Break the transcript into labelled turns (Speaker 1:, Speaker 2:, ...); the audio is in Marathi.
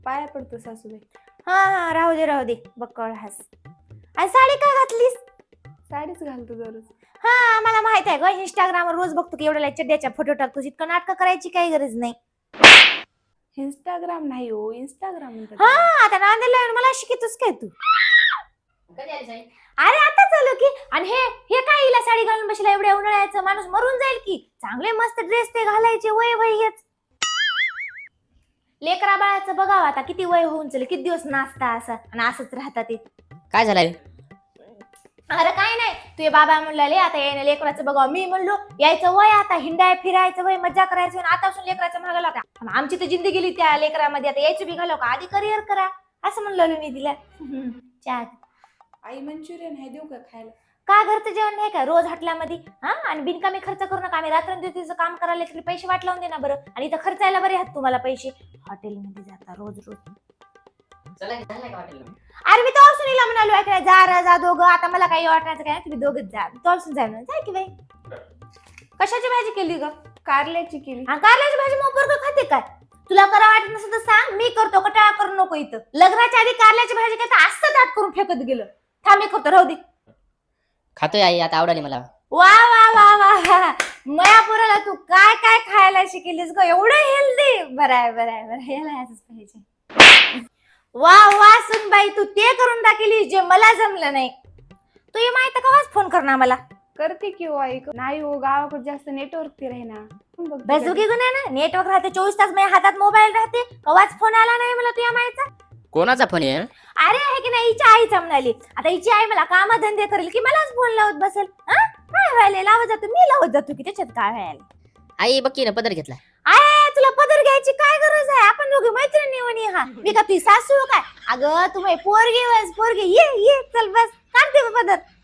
Speaker 1: पाया पडतो सासूबाई.
Speaker 2: हा राहू दे बक्कळ हास. आणि साडी का घातलीस?
Speaker 1: साडीच घालतो दररोज.
Speaker 2: हा मला माहित आहे ग, इंस्टाग्रामवर रोज बघतो की एवढ्या चड्ड्याच्या फोटो टाकतो. इतकं नाटक करायची काही गरज नाही.
Speaker 1: इंस्टाग्राम नाही हो, इंस्टाग्राम म्हणतात.
Speaker 2: हा आता नांदेडला येऊन मला शिकतोस काय तू? अरे आता चालू की. आणि हे हे काय हिला साडी घालून बसला एवढ्या उन्हाळ्याचं, माणूस मरून जाईल की. चांगले मस्त ड्रेस ते घालायचे, वय हेच. लेकरा बाळाचं बघावं आता किती वय होऊन चल, किती दिवस नाचता असं आणि असंच राहतात ते.
Speaker 3: काय झालंय?
Speaker 2: अरे काय नाही, तुझे बाबा म्हणले आता यायला लेकराचं बघावं. मी म्हणलो यायचं वय आता, हिंडाय फिरायचं वय, मजा करायचं वय. आतापासून लेकराचं मागायला का? आमची तर जिंदगी गेली त्या लेकरामध्ये, आता यायचं बी घालाव का? आधी करिअर करा असं म्हणलं मी तिला. चहा
Speaker 1: आई मंचुरियन आहे, देऊ का खायला?
Speaker 2: का घरचं जेवण नाही का रोज हॉटेलमध्ये? हा आणि बिनकामी खर्च करू नका. आम्ही रात्रंदिवशीचं काम करायला तरी पैसे वाट लावून दे ना बरं. आणि इथं खर्चायला बरे आहेत तुम्हाला पैसे. हॉटेलमध्ये जाता रोज. अरे मी तो हिला म्हणालो ऐकलं जा दोघं. आता मला काही वाटण्याचं काय, तुम्ही दोघंच जा. तोलसून जा ना, जाय की बाई. कशाची भाजी केली ग?
Speaker 1: कारल्याची केली.
Speaker 2: हा कारल्याची भाजी मग बरोबर खाते काय? तुला करा वाटत नसेल तर सांग, मी करतो. कटाळा करू नको इथं. लग्नाच्या आधी कारल्याची भाजी काय असं दाट करून फेकत गेलं. थांब मी करतो, राहू दे.
Speaker 3: खातोय आई, आता आवडली मला.
Speaker 2: वा वा वा वा, मयापुराला तू काय काय खायला शिकलीस ग, एवढं हेल्दी. बरं आहे याला असंच पाहिजे. वा वा सुनबाई, तू ते करून टाकली जे मला जमलं नाही. तू हे माहिती कवाच फोन करणार मला?
Speaker 1: करते की हो आई. नाही हो, गावाकडे जास्त नेटवर्क ते राही ना.
Speaker 2: बेजुकी गुन्हा ना, नेटवर्क राहते 24 तास. माझ्या हातात मोबाईल राहते, कवाच फोन आला नाही मला तुझ्या मायचा.
Speaker 3: कोणाचा फोन आहे?
Speaker 2: अरे आहे की नाही, हिच्या आईचा म्हणाली. आता हिची आई मला काम धंदे करेल की मलाच फोन लावत बसेल? काय व्हायला लावत जातो, मी लावत जातो की त्याच्यात काय व्हायला?
Speaker 3: आई बक्की ना पदर घेतला.
Speaker 2: आय तुला पदर घ्यायची काय गरज आहे? आपण दोघे मैत्रिणी म्हणे. हा मी का तुझी सासू काय? अगं तुम्ही पोरगी ये चल बस काढते पदर.